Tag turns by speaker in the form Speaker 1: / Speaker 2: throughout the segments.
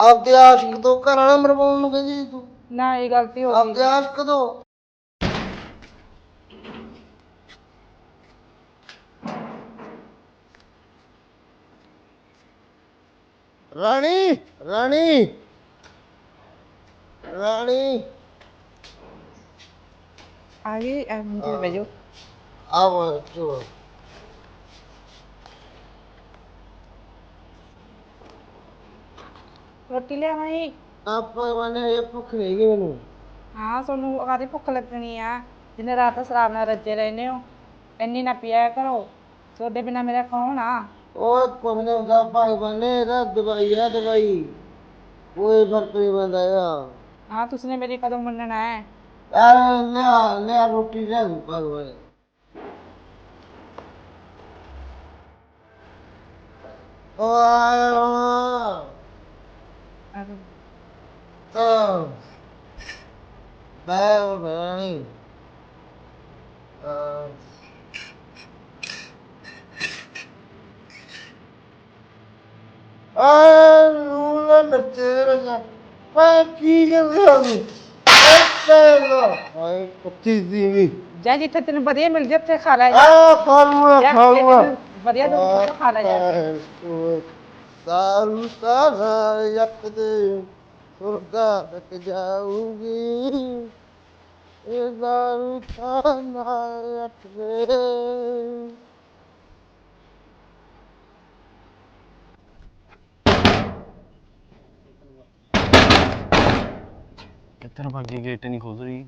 Speaker 1: ਆਪਦੇ ਆਸ਼ਿਕ ਤੋਂ ਘਰ ਵਾਲਾ ਮਰਵਾਉਣ ਨੂੰ ਕਹਿੰਦੀ ਸੀ ਤੂੰ।
Speaker 2: ਨਾ ਇਹ ਗਲਤੀ ਹੋ ਗਈ।
Speaker 1: ਆਪਦੇ ਆਸ਼ਿਕ ਤੋਂ ਰਾਣੀ ਰਾਣੀ ਰਾਣੀ
Speaker 2: ਆ ਗਈ ਐਵੇਂ ਬਹਿ ਜਾਓ।
Speaker 1: ਆਵੋ ਚੋ
Speaker 2: ਰੋਟੀ ਲਿਆਵਾਂ ਜੀ?
Speaker 1: ਆਪਾਂ ਵਾਲੇ ਇਹ ਭੁੱਖ ਨਹੀਂ ਗਈ ਮੈਨੂੰ।
Speaker 2: ਹਾਂ ਤੁਹਾਨੂੰ ਕਾਹਦੀ ਭੁੱਖ ਲੱਗਣੀ ਆ? ਜਿੰਨੇ ਰਾਤ ਸ਼ਰਾਬ ਨਾਲ ਰੱਜੇ ਰਹਿੰਦੇ ਹੋ। ਇੰਨੀ ਨਾ ਪੀਆ ਕਰੋ। ਤੁਹਾਡੇ ਬਿਨਾਂ ਮੇਰਾ ਕੌਣ ਆ?
Speaker 1: ਉਹ ਕੋਨੇ ਦਾ ਭਾਈ ਬਣੇ ਦਾ ਦਵਾਈ ਆ ਦਵਾਈ। ਕੋਈ ਫਰਕ ਨਹੀਂ ਪੈਂਦਾ ਆ।
Speaker 2: ਹਾਂ ਤੁਸੀਂ ਨੇ ਮੇਰੀ ਕਦੋਂ ਮੰਨਣਾ ਹੈ?
Speaker 1: ਯਾਰ ਲਿਆ ਲਿਆ ਰੋਟੀ ਲਿਆ ਭਗਵਾਨ। ਉਹ ਆਇਆ ਤਾਂ ਬੈ ਨੂੰ ਨੱਚੇ ਰਹਾ ਮੈਂ ਕੀ ਕਰ ਰਿਹਾ ਹਾਂ ਕੁੱਤੀ ਸੀ
Speaker 2: ਜਾ ਜਿੱਥੇ ਤੈਨੂੰ ਵਧੀਆ ਮਿਲ ਜੇ ਉੱਥੇ ਖਾ ਲੈ।
Speaker 1: ਆ ਖਾਲੂਆ
Speaker 2: ਵਧੀਆ ਦੁੱਧ ਖਾ ਲੈ ਜਾ।
Speaker 1: ਸਾਰੂ ਸਾਰਾ ਯੱਕ ਦੇ ਸੁਰਗਾ ਤੱਕ ਜਾਊਗੀ ਇਹ ਦਾਰੂ ਖਾਨਾ ਯੱਕ ਦੇ।
Speaker 3: ਕਿੱਥੇ ਨੂੰ ਭੱਜੀ? ਗੇਟ ਨਹੀਂ ਖੁੱਲ ਰਹੀ।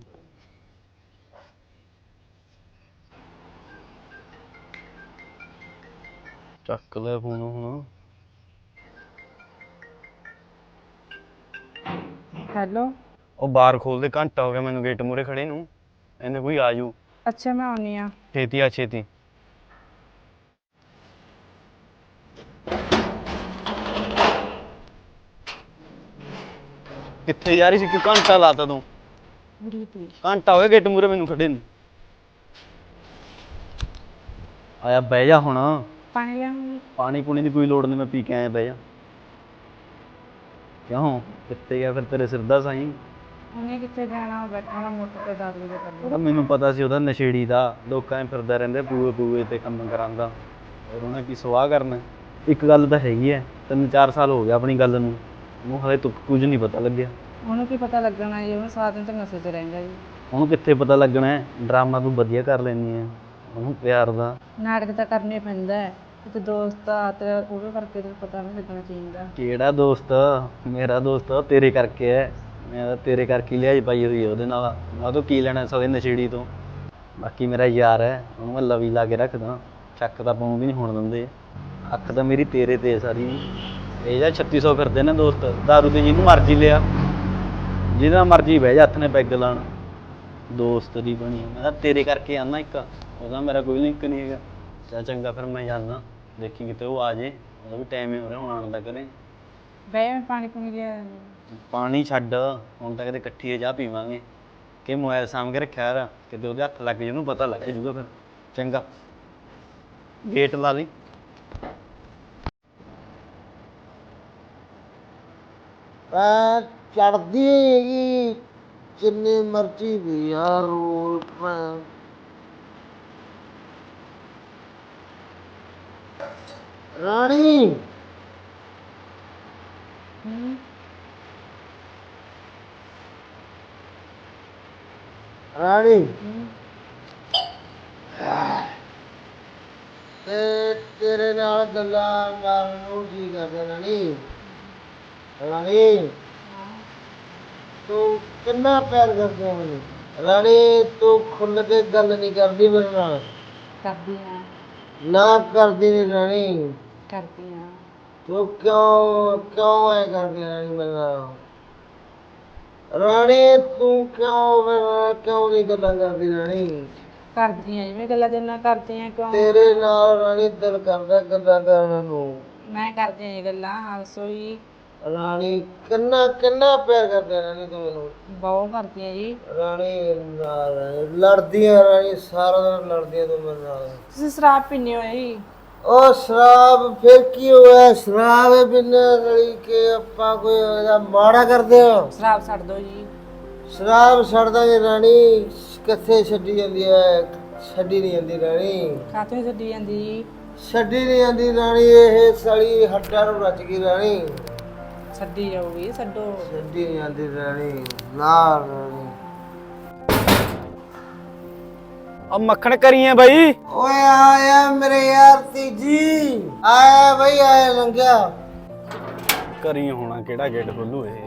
Speaker 3: ਚੱਕ ਲੈ ਫੋਨ ਹੁਣ।
Speaker 2: ਹੈਲੋ।
Speaker 3: ਉਹ ਬਾਹਰ ਖੋਲ ਦੇ, ਘੰਟਾ ਹੋ ਗਿਆ ਮੈਨੂੰ ਗੇਟ ਮੂਹਰੇ ਖੜੇ ਨੂੰ। ਇਹਨੇ ਕੋਈ ਆ ਜੂ।
Speaker 2: ਅੱਛਾ ਮੈਂ ਆਉਣੀ ਆ।
Speaker 3: ਛੇਤੀ ਆ ਛੇਤੀ। ਕਿੱਥੇ ਜਾ ਰਹੀ ਸੀ? ਕਿ ਘੰਟਾ ਲਾਤਾ ਤੂੰ? ਘੰਟਾ ਹੋ ਗਿਆ ਗੇਟ ਮੂਹਰੇ ਮੈਨੂੰ ਖੜੇ ਨੂੰ। ਆਇਆ ਬਹਿ ਜਾ ਹੁਣ।
Speaker 2: ਪਾਣੀ ਲਿਆਉਂਗੀ।
Speaker 3: ਪਾਣੀ ਪੂਣੀ ਦੀ ਕੋਈ ਲੋੜ ਨਹੀਂ, ਮੈਂ ਪੀ ਕੇ ਆਇਆ। ਬਹਿ ਜਾ। ਕਿਉਂ ਕਿੱਥੇ ਗਿਆ ਫਿਰ ਤੇਰੇ ਸਿਰ ਦਾ ਸਾਈਂ?
Speaker 2: ਉਹਨੇ ਕਿੱਥੇ ਜਾਣਾ? ਬੈਠਣਾ ਮੋਟਰ ਤੇ ਦਾਰੂ ਦੇ ਕਰ
Speaker 3: ਉਹਦਾ ਮੈਨੂੰ ਪਤਾ ਸੀ ਉਹਦਾ ਨਸ਼ੇੜੀ ਦਾ। ਲੋਕਾਂ 'ਚ ਫਿਰਦਾ ਰਹਿੰਦਾ ਪੂਏ ਪੂਏ ਤੇ ਕੰਮ ਕਰਾਂਦਾ। ਹੋਰ ਉਹਨੇ ਕੀ ਸਵਾਹ ਕਰਨਾ। ਇੱਕ ਗੱਲ ਤਾਂ ਹੈਗੀ ਐ, 3-4 ਸਾਲ ਹੋ ਗਿਆ ਆਪਣੀ ਗੱਲ ਨੂੰ। ਉਹਨੂੰ ਹਲੇ ਤੱਕ ਕੁਝ ਨਹੀਂ ਪਤਾ ਲੱਗਿਆ।
Speaker 2: ਉਹਨੂੰ ਕੀ ਪਤਾ ਲੱਗਣਾ ਜੀ? ਉਹਨੂੰ ਸਾਰਾ ਦਿਨ ਤਾਂ ਨਸ਼ੇ ਤੇ ਰਹਿੰਦਾ ਜੀ।
Speaker 3: ਉਹਨੂੰ ਕਿੱਥੇ ਪਤਾ ਲੱਗਣਾ ਹੈ? ਡਰਾਮਾ ਤੂੰ ਵਧੀਆ ਕਰ ਲੈਂਦੀ ਹੈ ਉਹਨੂੰ ਪਿਆਰ ਦਾ।
Speaker 2: ਨਾਟਕ ਤਾਂ ਕਰਨੇ ਪੈਂਦਾ ਹੈ। ਤੇ ਦੋਸਤ ਆ ਤੇ ਉਹਦੇ ਕਰਕੇ ਤੈਨੂੰ ਪਤਾ ਨਹੀਂ ਲੱਗਣਾ ਚਾਹੀਦਾ।
Speaker 3: ਕਿਹੜਾ ਦੋਸਤ? ਮੇਰਾ ਦੋਸਤ ਤੇਰੇ ਕਰਕੇ ਹੈ। ਮੈਂ ਤਾਂ ਤੇਰੇ ਕਰਕੇ ਲਿਆਈ ਪਾਈ ਹੋਈ ਹੈ ਉਹਦੇ ਨਾਲ। ਮੈਂ ਉਹ ਤੋਂ ਕੀ ਲੈਣਾ ਸਵੇ ਨਸ਼ੇੜੀ ਤੋਂ। ਬਾਕੀ ਮੇਰਾ ਯਾਰ ਹੈ, ਉਹਨੂੰ ਮੈਂ ਲਵੀ ਲਾ ਕੇ ਰੱਖਦਾ। ਚੱਕ ਤਾਂ ਪਾਉਂ ਵੀ ਨਹੀਂ ਹੋਣ ਦਿੰਦੇ। ਅੱਖ ਤਾਂ ਮੇਰੀ ਤੇਰੇ ਤੇ ਸਾਰੀ। ਇਹ ਜਾਂ 3600 ਫਿਰਦੇ ਨੇ ਦੋਸਤ। ਦਾਰੂ ਤੇ ਜਿਹਨੂੰ ਮਰਜ਼ੀ ਲਿਆ, ਜਿਹਦਾ ਮਰਜ਼ੀ ਬਹਿ ਜਾ ਹੱਥ ਨੇ ਪੈਗ ਲਾਉਣ। ਦੋਸਤ ਦੀ ਬਣੀ ਮੈਂ ਤਾਂ ਤੇਰੇ ਕਰਕੇ ਆਉਂਦਾ। ਇੱਕ ਉਹਦਾ ਮੇਰਾ ਕੋਈ ਲਿੰਕ ਨਹੀਂ ਹੈਗਾ। ਚੱਲ ਚੰਗਾ ਫਿਰ ਮੈਂ ਜਾਂਦਾ। ਦੇਖੀ ਕਿਤੇ ਉਹ ਆ ਜੇ। ਉਹਦਾ ਵੀ ਟਾਈਮ ਹੀ ਹੋ ਰਿਹਾ ਹੁਣ ਆਉਣ ਦਾ ਘਰੇ।
Speaker 2: ਬਈ ਪਾਣੀ ਪੂਣੀ ਲਿਆ।
Speaker 3: ਪਾਣੀ ਛੱਡ, ਹੁਣ ਤਾਂ ਕਿਤੇ ਇਕੱਠੀ ਚਾਹ ਪੀਵਾਂਗੇ। ਕਿ ਮੋਬਾਈਲ ਸਾਂਭ ਕੇ ਰੱਖਿਆ ਯਾਰ, ਕਿਤੇ ਉਹਦੇ ਹੱਥ ਲੱਗ ਜੇ ਉਹਨੂੰ ਪਤਾ ਲੱਗ ਜੂਗਾ ਫਿਰ। ਚੰਗਾ ਗੇਟ ਲਾ ਲਈ।
Speaker 1: ਚੜਦੀ ਹੈਗੀ ਜਿੰਨੀ ਮਰਜ਼ੀ ਵੀ ਯਾਰ ਰਾਣੀ ਰਾਣੀ ਤੇ ਤੇਰੇ ਨਾਲ ਗੱਲਾਂ ਮਾਰਨ ਨੂੰ ਜੀ ਕਰਦਾ ਰਾਣੀ। ਰਾਣੀ ਤੂੰ ਕਿੰਨਾ ਪਿਆਰ ਕਰਦੀ ਹੈ ਮੈਨੂੰ। ਰਾਣੀ ਤੂੰ ਖੁੱਲ੍ਹ ਕੇ ਗੱਲ ਨਹੀਂ ਕਰਦੀ ਮੇਰੇ ਨਾਲ।
Speaker 2: ਕਰਦੀ ਆ।
Speaker 1: ਨਾ ਕਰਦੀ ਨਹੀਂ ਰਾਣੀ।
Speaker 2: ਕਰਦੀ ਆ।
Speaker 1: ਤੂੰ ਕਿਉਂ ਐ ਕਰਦੀ ਰਾਣੀ ਮੇਰੇ ਨਾਲ? ਰਾਣੀ ਤੂੰ ਕਿਉਂ ਨਹੀਂ ਗੱਲਾਂ ਕਰਦੀ ਰਾਣੀ?
Speaker 2: ਕਰਦੀ ਆ ਜਿਵੇਂ ਗੱਲਾਂ ਤੇਰੇ ਨਾਲ ਕਰਦੀ ਆ। ਕਿਉਂ?
Speaker 1: ਤੇਰੇ ਨਾਲ ਰਾਣੀ ਦਿਲ ਕਰਦਾ ਗੱਲਾਂ ਕਰਨ ਨੂੰ।
Speaker 2: ਮੈਂ ਕਰਦੀ ਆ ਜੀ ਗੱਲਾਂ। ਹੱਸੋ ਜੀ।
Speaker 1: ਰਾਣੀ ਕਿੰਨਾ ਪਿਆਰ ਕਰਦਾ ਰਾਣੀ ਤੂੰ ਮੈਨੂੰ।
Speaker 2: ਬਹੁਤ ਕਰਦੀ ਆ ਜੀ।
Speaker 1: ਰਾਣੀ ਨਾਲ ਲੜਦੀ ਆ ਰਾਣੀ, ਸਾਰਾ ਦਿਨ ਲੜਦੀ ਆ ਤੂੰ ਮੇਰੇ ਨਾਲ।
Speaker 2: ਤੁਸੀਂ ਸ਼ਰਾਬ ਪੀਂਦੇ ਹੋ ਜੀ?
Speaker 1: ਉਹ ਸ਼ਰਾਬ ਫਿਰ ਕੀ ਹੋਇਆ? ਸ਼ਰਾਬ ਬਿਨਾਂ ਰਲੀ ਕੇ ਆਪਾਂ ਕੋਈ ਇਹਦਾ ਮਾੜਾ ਕਰਦੇ ਆ?
Speaker 2: ਸ਼ਰਾਬ ਛੱਡ ਦਿਓ ਜੀ।
Speaker 1: ਸ਼ਰਾਬ ਛੱਡ ਦਾਂਗੇ ਰਾਣੀ, ਕਿੱਥੇ ਛੱਡੀ ਜਾਂਦੀ ਹੈ? ਛੱਡੀ ਨਹੀਂ ਜਾਂਦੀ ਰਾਣੀ,
Speaker 2: ਖਾਤੇ ਛੱਡੀ ਜਾਂਦੀ ਜੀ।
Speaker 1: ਛੱਡੀ ਨਹੀਂ ਜਾਂਦੀ ਰਾਣੀ, ਇਹ ਸਾਲੀ ਹੱਡਾਂ ਨੂੰ ਰਚ ਗਈ ਰਾਣੀ,
Speaker 2: ਛੱਡੀ ਜਾਊਗੀ, ਛੱਡੋ।
Speaker 1: ਛੱਡੀ ਨਹੀਂ ਜਾਂਦੀ ਰਾਣੀ, ਨਾ ਰਾਣੀ।
Speaker 3: अब मक्खन करिए भाई।
Speaker 1: ਓਏ ਆਇਆ ਮੇਰੇ ਯਾਰ ਤੀਜੀ, ਆਇਆ ਬਈ ਆਇਆ ਲੰਘਿਆ।
Speaker 3: करिए होना केड़ा गेट खोलू ये।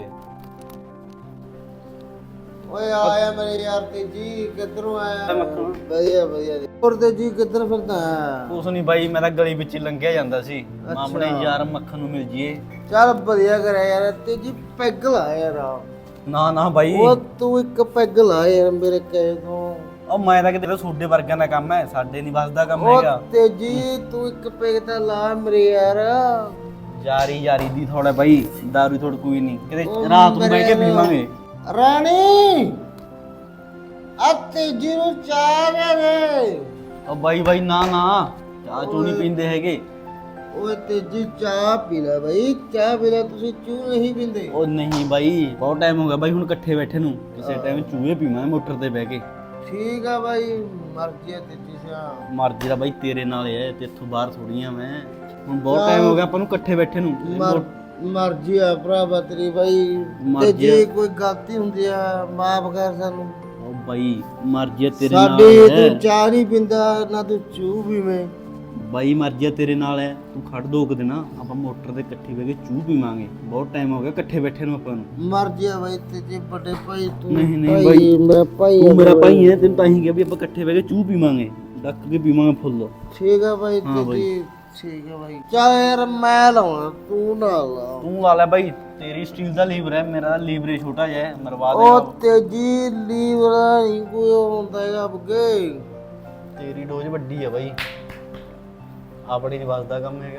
Speaker 1: ਓਏ ਆਇਆ ਮੇਰੇ ਯਾਰ ਤੀਜੀ, ਕਿੱਧਰੋਂ ਆਇਆ?
Speaker 3: ਮੱਖਣ।
Speaker 1: ਵਧੀਆ ਵਧੀਆ ਜੀ। ਹੋਰ ਤੀਜੀ ਕਿੱਧਰ ਫਿਰਦਾ ਹੈ?
Speaker 3: ਕੁਛ ਨਹੀਂ ਬਾਈ, ਮੈਂ ਤਾਂ ਗਲੀ ਵਿੱਚ ਹੀ ਲੰਘਿਆ ਜਾਂਦਾ ਸੀ।
Speaker 1: ਅੱਛਾ।
Speaker 3: ਆਪਣੇ ਯਾਰ ਮੱਖਣ ਨੂੰ ਮਿਲ ਜੀਏ।
Speaker 1: ਚੱਲ ਵਧੀਆ ਕਰਿਆ ਯਾਰ, ਤੀਜੀ ਪੈਗ ਲਾ ਯਾਰ।
Speaker 3: ਨਾ ਨਾ ਬਾਈ,
Speaker 1: ਉਹ ਤੂੰ ਇੱਕ ਪੈਗ ਲਾ ਯਾਰ ਮੇਰੇ ਕਹੇ ਤੋਂ।
Speaker 3: ਉਹ ਮੈਂ ਤਾਂ ਕਿਤੇ ਤੁਹਾਡੇ ਵਰਗਿਆਂ ਦਾ ਕੰਮ ਹੈ, ਸਾਡੇ ਨਹੀਂ ਵੱਸਦਾ ਕੰਮ
Speaker 1: ਉਹ
Speaker 3: ਹੈਗਾ।
Speaker 1: ਤੀਜੀ ਤੂੰ ਇੱਕ ਪੈਗ ਤਾਂ ਲਾ ਮੇਰੇ ਯਾਰ।
Speaker 3: ਯਾਰੀ ਯਾਰੀ ਦੀ ਥੋੜਾ ਬਾਈ, ਦਾਰੂ ਥੋੜ ਕੋਈ ਨਹੀਂ, ਕਿਤੇ
Speaker 1: ਉਹ
Speaker 3: ਰਾਤ ਨੂੰ ਬਹਿ ਕੇ
Speaker 1: ਮੇਰੇ
Speaker 3: ਪੀਵਾਂਗੇ।
Speaker 1: ਰਾਣੀ ਆ ਤੀਜੀ ਨੂੰ ਚਾਹ ਦੇ ਦੇ।
Speaker 3: ਉਹ ਬਾਈ ਬਾਈ ਨਾ ਨਾ, ਚਾਹ ਚੂ ਨਹੀਂ ਪੀਂਦੇ ਹੈਗੇ।
Speaker 1: ਓਏ ਤੇਜੀ ਚਾਹ ਪੀ ਲੈ ਬਈ, ਚਾਹ ਪੀ ਲੈ, ਤੁਸੀਂ ਚੂ ਨਹੀਂ ਪੀਂਦੇ?
Speaker 3: ਉਹ ਨਹੀਂ ਬਾਈ, ਬਹੁਤ ਟਾਈਮ ਹੋ ਗਿਆ ਬਾਈ ਹੁਣ ਇਕੱਠੇ ਬੈਠੇ ਨੂੰ, ਕਿਸੇ ਟਾਈਮ ਚੂਹੇ ਪੀਵਾਂਗੇ ਮੋਟਰ ਤੇ ਬਹਿ ਕੇ।
Speaker 1: ਠੀਕ ਆ ਬਾਈ, ਮਰਜ਼ੀ ਆ ਤੇਜੀ ਸਿਆ।
Speaker 3: ਮਰਜ਼ੀ ਦਾ ਬਾਈ ਤੇਰੇ ਨਾਲ ਹੈ, ਤੇ ਇੱਥੋਂ ਬਾਹਰ ਥੋੜੀਆਂ ਮੈਂ ਹੁਣ, ਬਹੁਤ ਟਾਈਮ ਹੋ ਗਿਆ ਆਪਾਂ ਨੂੰ ਇਕੱਠੇ ਬੈਠੇ ਨੂੰ।
Speaker 1: ਮਰਜ਼ੀ ਆ ਭਰਾਵਾ ਤੇਰੀ ਬਾਈ, ਤੇ ਜੇ ਕੋਈ ਗਲਤੀ ਹੁੰਦੀ ਆ ਮਾਫ ਕਰ ਸਾਨੂੰ।
Speaker 3: ਉਹ ਬਾਈ ਮਰਜ਼ੀ ਤੇਰੇ ਨਾਲ
Speaker 1: ਸਾਡੇ
Speaker 3: ਹੈ
Speaker 1: ਤੂੰ ਚਾਹ ਨਹੀਂ ਪੀਂਦਾ ਨਾ ਤੂੰ ਚੂ ਪੀਵੇਂ।
Speaker 3: ਬਾਈ, ਮਰਜ਼ੀ ਤੇਰੇ ਨਾਲ ਹੈ, ਤੂੰ ਖੜ ਦੋ ਕੁ ਦਿਨ, ਆਪਾਂ ਮੋਟਰ ਤੇ ਇਕੱਠੇ ਬਹਿ ਕੇ ਚੂਹ ਪੀਵਾਂਗੇ। ਬਹੁਤ ਟਾਈਮ ਹੋ ਗਿਆ ਇਕੱਠੇ ਬੈਠੇ ਨੂੰ ਆਪਾਂ ਨੂੰ।
Speaker 1: ਮਰਜ਼ੀ ਆ ਬਾਈ ਤੇਜੇ ਵੱਡੇ ਭਾਈ, ਤੂੰ
Speaker 3: ਨਹੀਂ ਨਹੀਂ
Speaker 1: ਭਾਈ,
Speaker 3: ਬਾਈ,
Speaker 1: ਮੇਰਾ ਭਾਈ
Speaker 3: ਤੂੰ
Speaker 1: ਆ
Speaker 3: ਮੇਰਾ
Speaker 1: ਬਾਈ।
Speaker 3: ਭਾਈ ਹੈ, ਤੈਨੂੰ ਤਾਂ ਹੀ ਕਿਹਾ ਵੀ ਆਪਾਂ ਇਕੱਠੇ ਬਹਿ ਕੇ ਚੂਹ ਪੀਵਾਂਗੇ, ਡੱਕ ਕੇ ਪੀਵਾਂਗੇ ਫੁੱਲ।
Speaker 1: ਠੀਕ ਆ ਬਾਈ
Speaker 3: ਹਾਂ ਬਾਈ।
Speaker 1: ਤੇਜੀ, ਠੀਕ ਆ ਬਾਈ। ਚੱਲ ਯਾਰ ਮੈਂ ਲਾਉਣਾ, ਤੂੰ ਨਾ ਲਾ।
Speaker 3: ਤੂੰ ਲਾ ਲੈ ਬਾਈ, ਤੇਰੀ ਸਟੀਲ ਦਾ ਲੀਵਰ ਹੈ, ਮੇਰਾ ਲੀਵਰ ਹੀ ਛੋਟਾ ਜਿਹਾ ਹੈ, ਮਰਵਾ
Speaker 1: ਉਹ
Speaker 3: ਦੇਗਾ।
Speaker 1: ਤੇਜੀ ਲੀਵਰ ਨਹੀਂ ਕੋਈ ਹੁੰਦਾ ਹੈਗਾ ਬੱਗੇ।
Speaker 3: ਤੇਰੀ ਡੋਜ਼ ਵੱਡੀ ਹੈ ਬਾਈ, ਆਪਣੀ ਨਹੀਂ ਵੱਸਦਾ ਕੰਮ ਹੈਗਾ।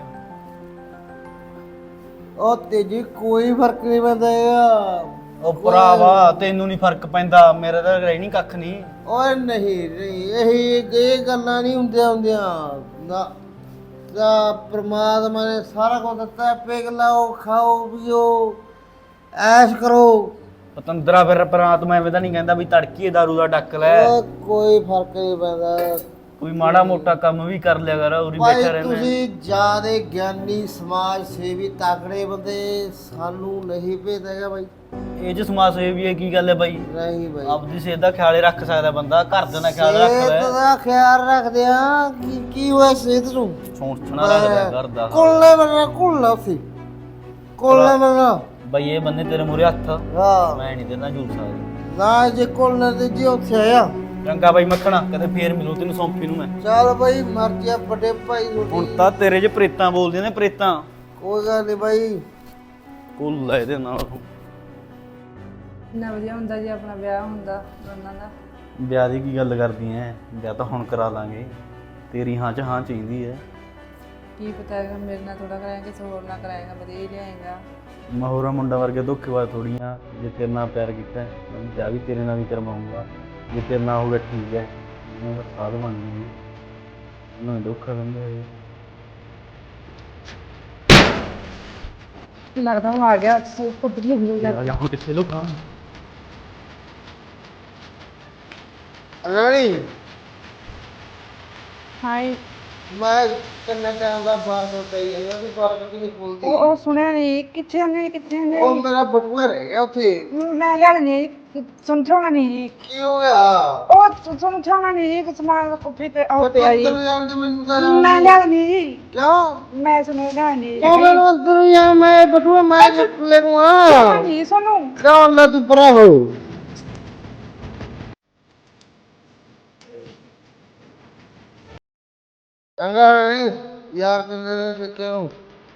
Speaker 1: ਉਹ ਤੇਜੀ ਕੋਈ ਫਰਕ ਨਹੀਂ ਪੈਂਦਾ ਹੈਗਾ।
Speaker 3: ਉਹ ਭਰਾਵਾ ਤੈਨੂੰ ਨਹੀਂ ਫਰਕ ਪੈਂਦਾ, ਮੇਰਾ ਤਾਂ ਰਹਿ ਨਹੀਂ ਕੱਖ ਨਹੀਂ।
Speaker 1: ਓਏ ਨਹੀਂ ਨਹੀਂ, ਇਹ ਗੱਲਾਂ ਨਹੀਂ ਹੁੰਦੀਆਂ ਨਾ। ਤਾਂ ਪ੍ਰਮਾਤਮਾ ਨੇ ਸਾਰਾ ਕੁਝ ਦਿੱਤਾ, ਪਿਘ ਲਾਓ, ਖਾਓ ਪੀਓ, ਐਸ਼ ਕਰੋ।
Speaker 3: ਪਤੰਦਰਾ ਫਿਰ ਪਰਾਤਮਾ ਐਵੇਂ ਤਾਂ ਨਹੀਂ ਕਹਿੰਦਾ ਵੀ ਤੜਕੀ ਦਾਰੂ ਦਾ ਡੱਕ ਲੈ।
Speaker 1: ਉਹ ਕੋਈ ਫਰਕ ਨਹੀਂ ਪੈਂਦਾ।
Speaker 3: ਕੋਈ ਮਾੜਾ ਮੋਟਾ ਕੰਮ ਵੀ ਕਰ ਲਿਆ ਕਰ, ਉਰੀ
Speaker 1: ਭਾਈ
Speaker 3: ਬੈਠਾ ਰਹਿਣਾ।
Speaker 1: ਤੁਸੀਂ ਜਿਆਦੇ ਗਿਆਨੀ, ਸਮਾਜ ਸੇਵੀ, ਤਾਕੜੇ ਬੰਦੇ, ਸਾਨੂੰ ਨਹੀਂ ਭੇਜਦਾ ਹੈਗਾ ਬਾਈ।
Speaker 3: ਇਹ ਚ ਸਮਾਜ ਸੇਵੀ ਹੈ ਕੀ ਗੱਲ ਹੈ ਬਾਈ?
Speaker 1: ਨਹੀਂ ਬਾਈ,
Speaker 3: ਆਪਦੀ ਸਿਹਤ ਦਾ ਖਿਆਲ ਰੱਖ ਸਕਦਾ ਬੰਦਾ, ਘਰ ਦੇ ਦਾ ਖਿਆਲ ਰੱਖ
Speaker 1: ਸਿਹਤ
Speaker 3: ਲੈ।
Speaker 1: ਦਾ ਖਿਆਲ ਰੱਖਦੇ ਆ। ਕੀ ਹੋਇਆ ਸਿਹਤ ਨੂੰ?
Speaker 3: ਸੋਚਣਾ ਰੱਖਦਾ ਘਰ ਦਾ।
Speaker 1: ਕੁੱਲੇ ਬੰਨਾ ਕੁੱਲਾ ਸੀ, ਕੁੱਲੇ ਬੰਨਾ
Speaker 3: ਬਾਈ ਇਹ ਬੰਦੇ ਤੇਰੇ ਮੂਹਰੇ ਹੱਥ,
Speaker 1: ਹਾਂ
Speaker 3: ਮੈਂ ਨਹੀਂ ਦੇਣਾ ਝੂਠ ਸਕਦਾ।
Speaker 1: ਨਾ ਜੇ ਕੁੱਲੇ ਤੇ ਜੀ ਉੱਥੇ ਆਇਆ।
Speaker 3: ਚੰਗਾ ਬਾਈ ਮੱਖਣਾ, ਕਦੇ ਫੇਰ ਮਿਲੂ ਤੈਨੂੰ ਸੌਂਫੀ ਨੂੰ ਮੈਂ।
Speaker 1: ਚੱਲ ਬਾਈ ਮਰਜ਼ੀ ਆ ਵੱਡੇ ਭਾਈ
Speaker 3: ਹੁਣ
Speaker 1: ਤੁਹਾਡੀ।
Speaker 3: ਤਾਂ ਤੇਰੇ 'ਚ ਪ੍ਰੇਤਾਂ ਬੋਲਦੀਆਂ ਨੇ, ਪ੍ਰੇਤਾਂ।
Speaker 1: ਕੋਈ ਗੱਲ ਨਹੀਂ ਬਾਈ।
Speaker 3: ਕੁੱਲ ਹੈ ਇਹਦੇ ਨਾਲ।
Speaker 2: ਇੰਨਾ ਵਧੀਆ ਹੁੰਦਾ ਜੀ ਆਪਣਾ ਵਿਆਹ ਹੁੰਦਾ ਦੋਨਾਂ ਦਾ।
Speaker 3: ਵਿਆਹ ਦੀ ਕੀ ਗੱਲ ਕਰਦੀ ਐ? ਵਿਆਹ ਤਾਂ ਹੁਣ ਕਰਾ ਲਾਂਗੇ, ਤੇਰੀ ਹਾਂ 'ਚ ਹਾਂ ਚਾਹੀਦੀ ਐ।
Speaker 2: ਕੀ ਪਤਾ ਹੈਗਾ ਮੇਰੇ ਨਾਲ ਥੋੜਾ ਕਰਾਏਗਾ, ਕਿਸੇ ਹੋਰ ਨਾਲ ਕਰਾਏਗਾ, ਵਧੀਆ ਹੀ ਲਿਆਏਗਾ।
Speaker 3: ਮਹੋਰਾ ਮੁੰਡਾ ਵਰਗੇ ਧੋਖੇਬਾਜ਼ ਥੋੜੀਆਂ। ਜੇ ਤੇਰੇ ਨਾਲ ਪਿਆਰ ਕੀਤਾ ਹੈ, ਮੈਂ ਵਿਆਹ ਵੀ ਤੇਰੇ ਨਾਲ ਹੀ ਕਰਵਾਉਂਗਾ। ਜੇ ਤੇਰੇ ਨਾਲ ਹੋਊਗਾ ਠੀਕ ਹੈ, ਮੈਂ ਸਾਧ ਬਣ ਗਈ ਉਹਨਾਂ ਧੋਖਾ ਦਿੰਦੇ ਹੋਏ।
Speaker 2: ਲੱਗਦਾ ਉਹ ਆ ਗਿਆ, ਕੁੱਬੜੀ ਹੋ ਗਈ।
Speaker 3: ਯਾਰ ਹੁਣ ਕਿੱਥੇ ਲੋਕਾਂ
Speaker 1: ਰਾਣੀ
Speaker 2: ਹਾਏ,
Speaker 1: ਮੈਂ ਕਿੰਨੇ ਟਾਈਮ ਦਾ ਬਾਤ ਹੋ ਗਈ ਹੈ, ਉਹਦੀ ਬਾਤ ਕਿਉਂ ਖੁੱਲਦੀ?
Speaker 2: ਉਹ ਸੁਣਿਆ ਨਹੀਂ, ਕਿੱਥੇ ਨੇ ਕਿੱਥੇ ਨੇ?
Speaker 1: ਉਹ ਮੇਰਾ ਬਟੂਆ ਰਹਿ ਗਿਆ ਉੱਥੇ।
Speaker 2: ਮੈਂ ਗੱਲ ਨਹੀਂ ਸੁਣਛਾਉਣਾ ਨਹੀਂ ਜੀ।
Speaker 1: ਕੀ ਹੋ ਗਿਆ?
Speaker 2: ਉਹ ਸੁਣਛਾਉਣਾ ਨਹੀਂ ਜੀ, ਕਿ ਸਮਾਨ ਕੁੱਫੀ ਤੇ ਉਹ ਪਿਆ ਜੀ।
Speaker 1: ਅੰਦਰ ਜਾਣ ਦੇ ਮੈਨੂੰ ਤਾਂ
Speaker 2: ਮੈਂ ਗੱਲ ਨਹੀਂ ਜੀ,
Speaker 1: ਕਿਉਂ?
Speaker 2: ਮੈਂ ਸੁਣਿਆ ਨਹੀਂ
Speaker 1: ਉਹ ਮੈਨੂੰ ਅੰਦਰ ਜਾ, ਮੈਂ ਬਟੂਆ ਮੈਂ ਲੈ ਲੂੰਗਾ।
Speaker 2: ਜੀ ਸੁਣੋ।
Speaker 1: ਕਿਉਂ ਲੈ ਤੂੰ ਪਰਾ ਹੋ? ਚੰਗਾ ਯਾਰ ਕਿੰਨੇ ਕਿਉਂ?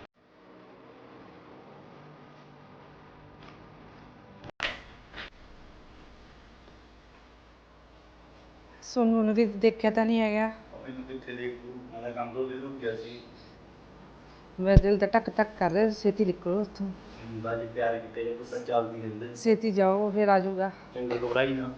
Speaker 2: ਸੋਨੂੰ ਨੂੰ ਵੀ ਦੇਖਿਆ ਤਾਂ ਨਹੀਂ ਹੈਗਾ।
Speaker 3: ਮੈਨੂੰ ਕਿੱਥੇ ਦੇਖ ਤੂੰ, ਮੈਂ ਤਾਂ ਕੰਮ ਤੋਂ ਦੇ ਗਿਆ ਸੀ।
Speaker 2: ਮੇਰਾ ਦਿਲ ਤਾਂ ਟਕ ਟਕ ਕਰ ਰਿਹਾ, ਛੇਤੀ ਨਿਕਲੋ ਉੱਥੋਂ।
Speaker 3: ਹੁੰਦਾ ਜੀ ਪਿਆਰ ਕੀਤੇ ਜੇ ਤਾਂ ਚੱਲਦੀ ਰਹਿੰਦੇ।
Speaker 2: ਛੇਤੀ ਜਾਓ, ਫਿਰ ਆ ਜਾਊਗਾ।
Speaker 3: ਚੰਗਾ ਘਬਰਾਈ ਨਾ।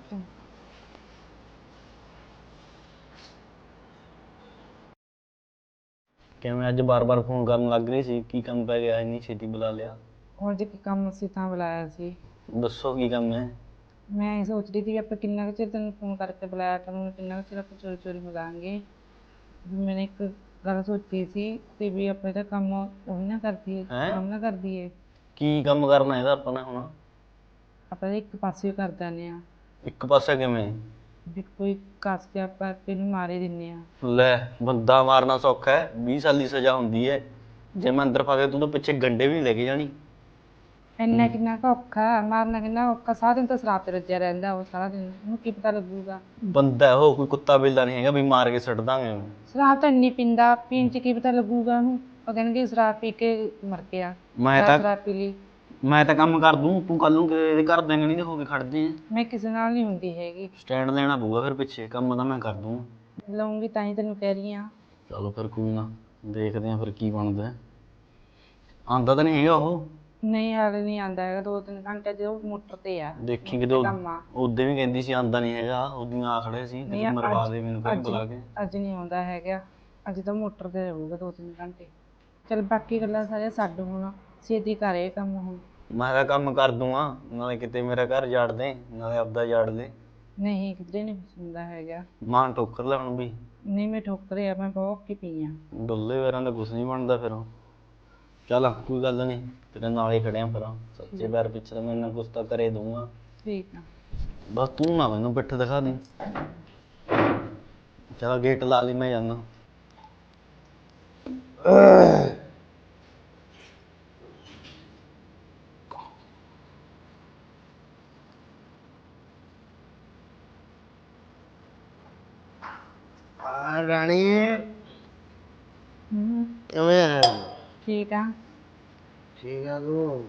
Speaker 3: ਕਿਵੇਂ ਅੱਜ ਬਾਰ-ਬਾਰ ਫੋਨ ਕਰਨ ਲੱਗ ਰਹੀ ਸੀ? ਕੀ ਕੰਮ ਪੈ ਗਿਆ ਇੰਨੀ ਛੇਤੀ ਬੁਲਾ ਲਿਆ?
Speaker 2: ਹੋਰ ਜੇ ਕੀ ਕੰਮ ਸੀ ਤਾਂ ਬੁਲਾਇਆ ਸੀ।
Speaker 3: ਦੱਸੋ ਕੀ ਕੰਮ ਹੈ?
Speaker 2: ਮੈਂ ਇਹ ਸੋਚ ਰਹੀ ਸੀ ਵੀ ਆਪਾਂ ਕਿੰਨਾ ਕੁ ਚਿਰ ਤੈਨੂੰ ਫੋਨ ਕਰਕੇ ਬੁਲਾਇਆ ਕਰਾਂਗੇ, ਕਿੰਨਾ ਕੁ ਚਿਰ ਆਪਾਂ ਚੋਰੀ ਚੋਰੀ ਮਿਲਾਂਗੇ। ਵੀ ਮੈंने ਇੱਕ ਗੱਲ ਸੋਚੀ ਸੀ ਤੇ ਵੀ ਆਪਾਂ ਇਹਦਾ ਕੰਮ ਉਹ ਵੀ ਨਾ ਕਰਦੀਏ,
Speaker 3: ਹੈਂ?
Speaker 2: ਕੰਮ ਨਾ ਕਰਦੀਏ।
Speaker 3: ਕੀ ਕੰਮ ਕਰਨਾ ਇਹਦਾ ਆਪਾਂ ਨੇ ਹੁਣ?
Speaker 2: ਆਪਾਂ ਇਹਦਾ ਇੱਕ ਪਾਸੇ ਕਰ ਦਿੰਦੇ ਹਾਂ
Speaker 3: ਇੱਕ ਪਾਸੇ ਕਿਵੇਂ?
Speaker 2: ਵੀ ਕੋਈ ਕੱਸ ਕੇ ਆਪਾਂ ਤੈਨੂੰ ਮਾਰੇ ਦਿੰਦੇ ਹਾਂ।
Speaker 3: ਲੈ ਬੰਦਾ ਮਾਰਨਾ ਸੌਖਾ ਹੈ, 20 ਸਾਲ ਦੀ ਸਜ਼ਾ ਹੁੰਦੀ ਹੈ। ਜੇ ਮੈਂ ਅੰਦਰ ਫਾ ਕੇ ਤੂੰ ਤਾਂ ਪਿੱਛੇ ਗੰਡੇ ਵੀ ਨਹੀਂ ਲੈ ਕੇ ਜਾਣੀ।
Speaker 2: ਇੰਨਾ ਕਿੰਨਾ ਕੁ ਔਖਾ ਮਾਰਨਾ, ਕਿੰਨਾ ਔਖਾ। ਸਾਰਾ ਦਿਨ ਤਾਂ ਸ਼ਰਾਬ ਤੇ ਰੱਜਿਆ ਰਹਿੰਦਾ ਉਹ, ਸਾਰਾ ਦਿਨ ਉਹਨੂੰ ਕੀ ਪਤਾ ਲੱਗੂਗਾ।
Speaker 3: ਬੰਦਾ ਹੈ ਉਹ, ਕੋਈ ਕੁੱਤਾ ਬਿੱਲਾ ਨਹੀਂ ਹੈਗਾ ਵੀ ਮਾਰ ਕੇ ਸੁੱਟ ਦਾਂਗੇ।
Speaker 2: ਸ਼ਰਾਬ ਤਾਂ ਇੰਨੀ ਪੀਂਦਾ, ਪੀਣ ਚ ਕੀ ਪਤਾ ਲੱਗੂਗਾ ਉਹਨੂੰ। ਉਹ ਕਹਿਣਗੇ ਸ਼ਰਾਬ ਪੀ ਕੇ ਮਰ ਗਿਆ, ਸ਼ਰਾਬ ਪੀ ਲਈ।
Speaker 3: ਮੈਂ ਤਾਂ ਕੰਮ ਕਰ ਦੂੰ, ਤੂੰ ਕੱਲ ਨੂੰ ਇਹਦੇ ਘਰ ਦੇ ਨਹੀਂ ਹੋ ਕੇ ਖੜਦੇ ਆ।
Speaker 2: ਮੈਂ ਕਿਸੇ ਨਾਲ ਨਹੀਂ ਹੁੰਦੀ ਹੈਗੀ।
Speaker 3: ਸਟੈਂਡ ਲੈਣਾ ਪਊਗਾ ਫਿਰ ਪਿੱਛੇ, ਕੰਮ ਤਾਂ ਮੈਂ ਕਰ ਦੂੰ।
Speaker 2: ਲਊਂਗੀ ਤਾਂ ਹੀ ਤੈਨੂੰ ਕਹਿ ਰਹੀ ਹਾਂ।
Speaker 3: ਚਲੋ ਫਿਰ ਕੋਈ ਨਾ, ਦੇਖਦੇ ਆ ਫਿਰ ਕੀ ਬਣਦਾ। ਆਂਦਾ ਤਾਂ ਨਹੀਂ ਹੈਗਾ ਉਹ?
Speaker 2: ਨਹੀਂ ਹਾਲੇ ਨਹੀਂ ਆਉਂਦਾ ਹੈਗਾ, 2-3 ਘੰਟੇ ਜੇ ਉਹ ਮੋਟਰ ਤੇ ਆ।
Speaker 3: ਦੇਖੀ ਕਿਤੇ ਉਦੋਂ ਵੀ ਕਹਿੰਦੀ ਸੀ ਆਂਦਾ ਨਹੀਂ ਹੈਗਾ, ਉਦੋਂ ਆ ਖੜੇ ਸੀ ਕਿਤੇ ਮਰਵਾ ਦੇ ਮੈਨੂੰ ਫਿਰ ਬੁਲਾ ਕੇ।
Speaker 2: ਅੱਜ ਨਹੀਂ ਆਉਂਦਾ ਹੈਗਾ, ਅੱਜ ਤਾਂ ਮੋਟਰ ਤੇ ਰਹੂਗਾ 2-3 ਘੰਟੇ। ਚੱਲ ਬਾਕੀ ਗੱਲਾਂ ਸਾਰੀਆਂ ਛੱਡ, ਹੁਣ ਛੇਤੀ ਕਰ ਇਹ ਕੰਮ। ਹੁਣ
Speaker 3: ਮੈਂ ਤਾਂ ਕੰਮ ਕਰ ਦੂੰਗਾ, ਨਾਲੇ ਕਿਤੇ ਮੇਰਾ ਘਰ ਜਾੜ ਦੇ, ਨਾਲੇ ਆਪਦਾ ਜਾੜ ਦੇ।
Speaker 2: ਨਹੀਂ ਕਿਧਰੇ ਨਹੀਂ ਹੁੰਦਾ ਹੈਗਾ।
Speaker 3: ਮਾਂ ਠੋਕਰ ਲੈ ਹੁਣ ਵੀ।
Speaker 2: ਨਹੀਂ ਮੈਂ ਠੋਕਰਿਆ, ਮੈਂ ਬਹੁਤ ਔਖੀ ਪਈ ਆ।
Speaker 3: ਡੁੱਲੇ ਵੈਰਾਂ ਦਾ ਕੁਛ ਨਹੀਂ ਬਣਦਾ ਫਿਰ। ਚੱਲ ਕੋਈ ਗੱਲ ਨਹੀਂ, ਤੇਰੇ ਨਾਲ ਹੀ ਖੜਿਆ ਫਿਰ। ਸੱਚੇ ਪੈਰ ਪਿੱਛੇ ਤਾਂ ਮੈਂ ਇੰਨਾ ਕੁਛ ਤਾਂ ਕਰੇ ਦੂੰਗਾ।
Speaker 2: ਠੀਕ ਆ।
Speaker 3: ਬਸ ਤੂੰ ਨਾ ਮੈਨੂੰ ਪਿੱਠ ਦਿਖਾ ਦੇ। ਚਲ ਗੇਟ ਲਾ ਲਈ, ਮੈਂ ਜਾਂਦਾ।
Speaker 1: ਰਾਣੀ
Speaker 2: ਹੂੰ
Speaker 1: ਕਿਵੇਂ ਆ?
Speaker 2: ਠੀਕ ਆ।
Speaker 1: ਠੀਕ ਆ ਤੂੰ?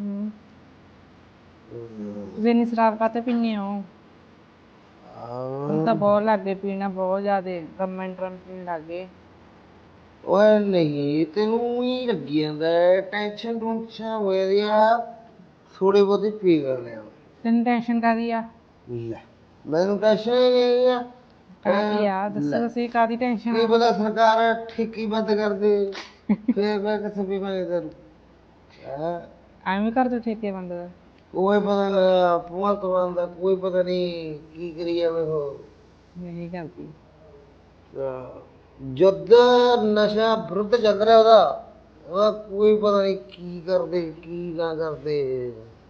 Speaker 2: ਤੁਸੀਂ ਇੰਨੀ ਸ਼ਰਾਬ ਕਾਹਤੇ ਪੀਂਦੇ ਹੋ? ਹੁਣ ਤਾਂ ਬਹੁਤ ਲੱਗ ਗਏ ਪੀਣਾ, ਬਹੁਤ ਜ਼ਿਆਦੇ ਗਰਮ ਪੀਣ ਲੱਗ ਗਏ।
Speaker 1: ਓਏ ਨਹੀਂ, ਤੈਨੂੰ ਹੀ ਲੱਗੀ ਜਾਂਦਾ, ਟੈਨਸ਼ਨ ਟੂਨਸ਼ਨ ਹੋਈ ਆ। ਥੋੜੀ ਬਹੁਤੀ ਪੀ ਕਰਦੇ ਆ।
Speaker 2: ਤੈਨੂੰ ਟੈਨਸ਼ਨ ਕਾਹਦੀ ਆ?
Speaker 1: ਲੈ ਮੈਨੂੰ ਟੈਨਸ਼ਨ ਹੀ ਨਹੀਂ ਆ।
Speaker 2: ਕਾਹਦੀ ਆ ਦੱਸੋ, ਅਸੀਂ ਕਾਹਦੀ ਟੈਨਸ਼ਨ
Speaker 1: ਕੀ
Speaker 2: ਆ?
Speaker 1: ਪਤਾ ਸਰਕਾਰ ਠੇਕੀ ਬੰਦ ਕਰ ਦੇ, ਫੇਰ ਮੈਂ ਕਿੱਥੇ ਪੀਵਾਂਗੇ ਤੈਨੂੰ।
Speaker 2: ਐਵੇਂ ਕਰ ਦੋ ਠੇਕੇ ਬੰਦ ਦਾ?
Speaker 1: ਕੋਈ ਪਤਾ ਨਹੀਂ ਭਗਵੰਤ ਮਾਨ ਦਾ, ਕੋਈ ਪਤਾ ਨਹੀਂ ਕੀ ਕਰੀ ਜਾਵੇ ਉਹ।
Speaker 2: ਨਹੀਂ ਕਰਦੀ।
Speaker 1: ਯੁੱਧ ਨਸ਼ਾ ਵਿਰੁੱਧ ਚੱਲ ਰਿਹਾ ਉਹਦਾ ਕੋਈ ਪਤਾ ਨਹੀਂ ਕੀ ਕਰਦੇ ਕੀ ਨਾ ਕਰਦੇ।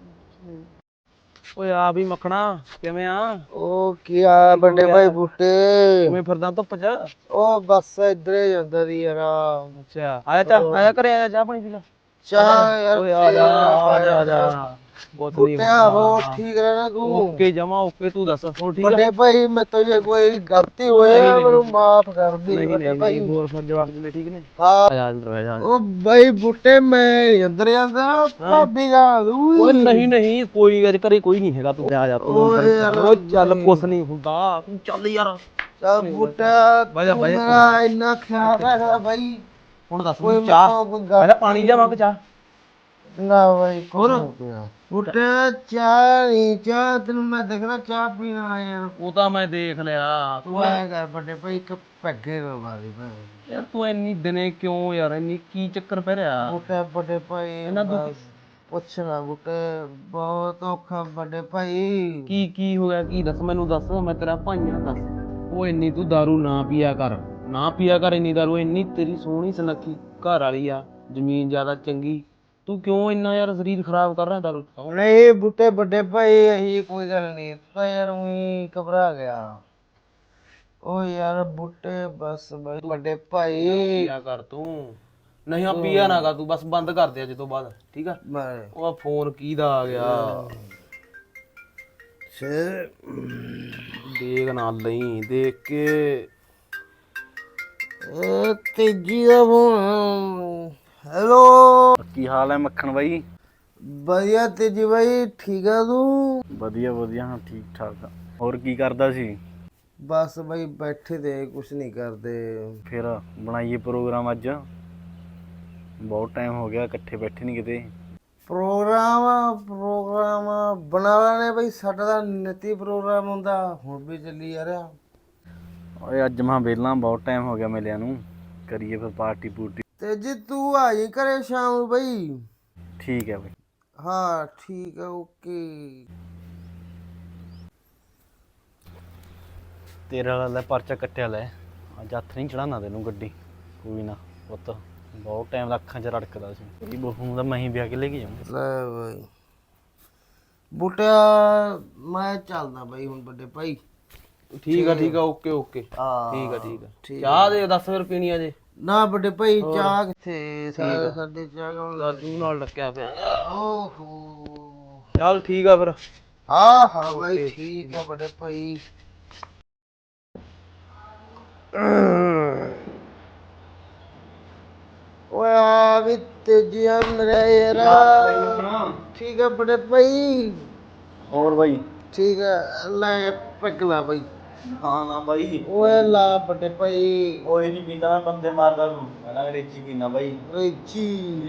Speaker 4: ਓਏ ਆ ਵੀ ਮੱਖਣਾ, ਕਿਵੇਂ ਆ?
Speaker 1: ਉਹ ਕੀ ਆ ਵੱਡੇ ਭਾਈ ਬੂਟੇ?
Speaker 4: ਕਿਵੇਂ ਫਿਰਦਾ ਧੁੱਪ ਚ?
Speaker 1: ਉਹ ਬਸ ਇੱਧਰ ਹੀ ਜਾਂਦਾ ਦੀ ਯਾਰ।
Speaker 4: ਅੱਛਾ ਆਇਆ ਘਰੇ, ਆਇਆ ਚਾਹ ਪਾਣੀ ਪੀ ਲੈ।
Speaker 1: ਚਾਹ ਯਾਰ
Speaker 4: ਓਏ ਆ ਜਾ ਕੁਛ ਨੀ
Speaker 1: ਉਹ ਠੀਕ ਰਹਿਣਾ ਤੂੰ?
Speaker 4: ਓਕੇ ਜਮਾ ਓਕੇ, ਤੂੰ ਦੱਸ ਹੋਰ ਠੀਕ ਆ?
Speaker 1: ਵੱਡੇ ਭਾਈ ਮੇਰੇ ਤੋਂ ਜੇ ਕੋਈ ਗਲਤੀ ਹੋਏ ਮੈਨੂੰ ਮਾਫ ਕਰ ਦੇ ਵੱਡੇ ਭਾਈ।
Speaker 4: ਹੋਰ ਫਿਰ ਜਵਾਕ ਜੀ ਠੀਕ ਨੇ?
Speaker 1: ਹਾਂ
Speaker 4: ਆ ਜਾ ਅੰਦਰ ਆ ਜਾ।
Speaker 1: ਉਹ ਬਾਈ ਬੂਟੇ ਮੈਂ ਅੰਦਰ ਜਾਂਦਾ, ਭਾਬੀ ਦਾ
Speaker 4: ਓਏ ਨਹੀਂ ਕੋਈ ਘਰੇ ਕੋਈ ਨਹੀਂ ਹੈਗਾ, ਤੂੰ ਆ ਜਾ ਓਏ ਚੱਲ ਕੁਛ ਨਹੀਂ ਹੁੰਦਾ, ਤੂੰ ਚੱਲ ਯਾਰ।
Speaker 1: ਚੱਲ ਬੂਟਾ ਮੇਰਾ ਇੰਨਾ ਖਿਆਲ ਰੱਖਦਾ ਬਾਈ।
Speaker 4: ਹੁਣ ਦੱਸ ਚਾਹ ਪਹਿਲਾਂ ਪਾਣੀ ਲਿਆਵਾਂ ਕਿ ਚਾਹ?
Speaker 1: ਨਾ ਬਾਈ ਹੋਰ ਬੂਟਾ ਚਾਹ ਨਹੀਂ, ਚਾਹ ਤੈਨੂੰ ਮੈਂ ਦੇਖਣਾ ਚਾਹ ਪੀਣ ਆਇਆ।
Speaker 4: ਉਹ ਤਾਂ ਮੈਂ ਦੇਖ ਲਿਆ।
Speaker 1: ਤੂੰ ਆਇਆ ਕਰ ਵੱਡੇ ਭਾਈ, ਇੱਕ ਪੈਗੇ ਮਾਰੀ
Speaker 4: ਯਾਰ ਤੂੰ ਇੰਨੀ ਦਿਨੇ ਕਿਉਂ ਯਾਰ, ਇੰਨੀ ਕੀ ਚੱਕਰ ਪੈ ਰਿਹਾ?
Speaker 1: ਬੂਟਾ ਵੱਡੇ ਭਾਈ
Speaker 4: ਇਹਨਾਂ ਦੁੱਖ
Speaker 1: ਪੁੱਛਣਾ ਬੂਟੇ, ਬਹੁਤ ਔਖਾ ਵੱਡੇ ਭਾਈ।
Speaker 4: ਕੀ ਹੋ ਗਿਆ, ਕੀ ਦੱਸ ਮੈਨੂੰ, ਦੱਸ ਮੈਂ ਤੇਰਾ ਭਾਈ ਆ, ਦੱਸ। ਉਹ ਇੰਨੀ ਤੂੰ ਦਾਰੂ ਨਾ ਪੀਆ ਕਰ ਇੰਨੀ ਦਾਰੂ। ਇੰਨੀ ਤੇਰੀ ਸੋਹਣੀ ਸੁਨੱਖੀ ਘਰ ਵਾਲੀ ਆ, ਜ਼ਮੀਨ ਜ਼ਿਆਦਾ ਚੰਗੀ, ਤੂੰ ਕਿਉਂ ਇੰਨਾ ਯਾਰ ਸਰੀਰ ਖਰਾਬ ਕਰ ਰਿਹਾ ਦਾਰੂ?
Speaker 1: ਨਹੀਂ ਬੂਟੇ ਵੱਡੇ ਭਾਈ ਇਹੀ ਕੋਈ ਗੱਲ ਨਹੀਂ, ਤਾਂ ਯਾਰ ਉਹੀ ਘਬਰਾ ਗਿਆ। ਓ ਯਾਰ ਬੂਟੇ ਬਸ ਵੱਡੇ ਭਾਈ
Speaker 4: ਪੀਆ ਕਰ ਤੂੰ, ਨਹੀਂ ਆ ਪੀਆ ਨਾ ਕਰ ਤੂੰ, ਬਸ ਬੰਦ ਕਰ ਦੇ ਅੱਜ ਤੋਂ ਬਾਅਦ, ਠੀਕ ਆ? ਉਹ ਫੋਨ ਕਿਹਦਾ ਆ ਗਿਆ? ਦੇਖ ਨਾ ਲਈ, ਦੇਖ ਕੇ।
Speaker 1: ਤੇਜੀ ਦਾ ਫੋਨ। ਹੈਲੋ
Speaker 3: ਕੀ ਹਾਲ ਹੈ ਮੱਖਣ ਬਾਈ?
Speaker 1: ਵਧੀਆ ਤੇਜੀ ਬਾਈ, ਠੀਕ ਆ ਤੂੰ?
Speaker 3: ਵਧੀਆ ਹਾਂ ਠੀਕ ਠਾਕ ਆ। ਹੋਰ ਕੀ ਕਰਦਾ ਸੀ?
Speaker 1: ਬਸ ਬਾਈ ਬੈਠੇ ਤੇ ਕੁਛ ਨਹੀਂ ਕਰਦੇ।
Speaker 3: ਫਿਰ ਬਣਾਈਏ ਪ੍ਰੋਗਰਾਮ ਅੱਜ, ਬਹੁਤ ਟਾਈਮ ਹੋ ਗਿਆ ਇਕੱਠੇ ਬੈਠੇ ਨਹੀਂ ਕਿਤੇ।
Speaker 1: ਪ੍ਰੋਗਰਾਮ ਬਣਾ ਲੈਣੇ ਬਾਈ, ਸਾਡਾ ਤਾਂ ਨਿੱਤੀ ਪ੍ਰੋਗਰਾਮ ਹੁੰਦਾ, ਹੁਣ ਵੀ ਚੱਲੀ ਜਾ ਰਿਹਾ।
Speaker 3: ਓਏ ਅੱਜ ਮੈਂ ਵਿਹਲਾ, ਬਹੁਤ ਟਾਈਮ ਹੋ ਗਿਆ ਮਿਲਿਆ ਨੂੰ। ਕਰੀਏ ਫਿਰ ਪਾਰਟੀ ਪੂਰਟੀ।
Speaker 1: ਤੇ ਜੀ ਤੂੰ ਆ ਜੀ ਘਰੇ ਸ਼ਾਮ ਨੂੰ ਬਈ।
Speaker 3: ਠੀਕ ਹੈ ਬਾਈ।
Speaker 1: ਹਾਂ ਠੀਕ ਹੈ ਓਕੇ।
Speaker 3: ਤੇਰੇ ਵਾਲਾ ਲੈ ਪਰਚਾ ਕੱਟਿਆ ਲੈ, ਅੱਜ ਹੱਥ ਨਹੀਂ ਚੜਾਉਣਾ ਤੈਨੂੰ ਗੱਡੀ। ਕੋਈ ਨਾ ਪੁੱਤ, ਬਹੁਤ ਟਾਈਮ ਦਾ ਅੱਖਾਂ 'ਚ ਰੜਕਦਾ ਸੀ। ਤੇਰੀ ਬਹੂ ਨੂੰ ਤਾਂ ਮੈਂ ਹੀ ਵਿਆਹ ਕੇ ਲੈ ਕੇ ਜਾਊਂ।
Speaker 1: ਲੈ ਬਈ ਬੂਟਿਆ ਮੈਂ ਚੱਲਦਾ ਬਈ ਹੁਣ ਵੱਡੇ ਭਾਈ।
Speaker 4: ਠੀਕ ਆ ਓਕੇ ਓਕੇ
Speaker 1: ਹਾਂ
Speaker 4: ਠੀਕ ਆ ਚਾਹ ਦੇ 10 ਫਿਰ ਪੀਣੀ ਆ ਜੇ।
Speaker 1: ਨਾ ਵੱਡੇ ਭਾਈ ਚਾਹ ਕਿੱਥੇ ਸਾਡੇ ਚਾਹ ਕੌਣ
Speaker 4: ਦਾਦੂ ਨਾਲ ਲੱਗਿਆ ਪਿਆ।
Speaker 1: ਓਹੋ
Speaker 4: ਚੱਲ ਠੀਕ ਆ ਫਿਰ।
Speaker 1: ਹਾਂ ਬਾਈ ਠੀਕ ਆ ਵੱਡੇ ਭਾਈ। ਓਏ ਆ ਵੀ ਤੇਜੀਆ ਮੇਰੇ ਯਾਰ। ਠੀਕ ਆ ਵੱਡੇ ਭਾਈ।
Speaker 3: ਹੋਰ ਬਾਈ?
Speaker 1: ਠੀਕ ਆ ਲੈ ਪਗਲਾ ਬਾਈ।
Speaker 3: ਹਾਂ ਨਾ ਬਾਈ।
Speaker 1: ਓਏ ਲਾ ਵੱਡੇ ਭਾਈ।
Speaker 3: ਓਏ ਨਹੀਂ ਪੀਂਦਾ ਮੈਂ, ਬੰਦੇ ਮਾਰਦਾ ਤੂੰ। ਮੈਂ ਰੇਚੀ ਪੀਣਾ ਬਾਈ।
Speaker 1: ਰੇਚੀ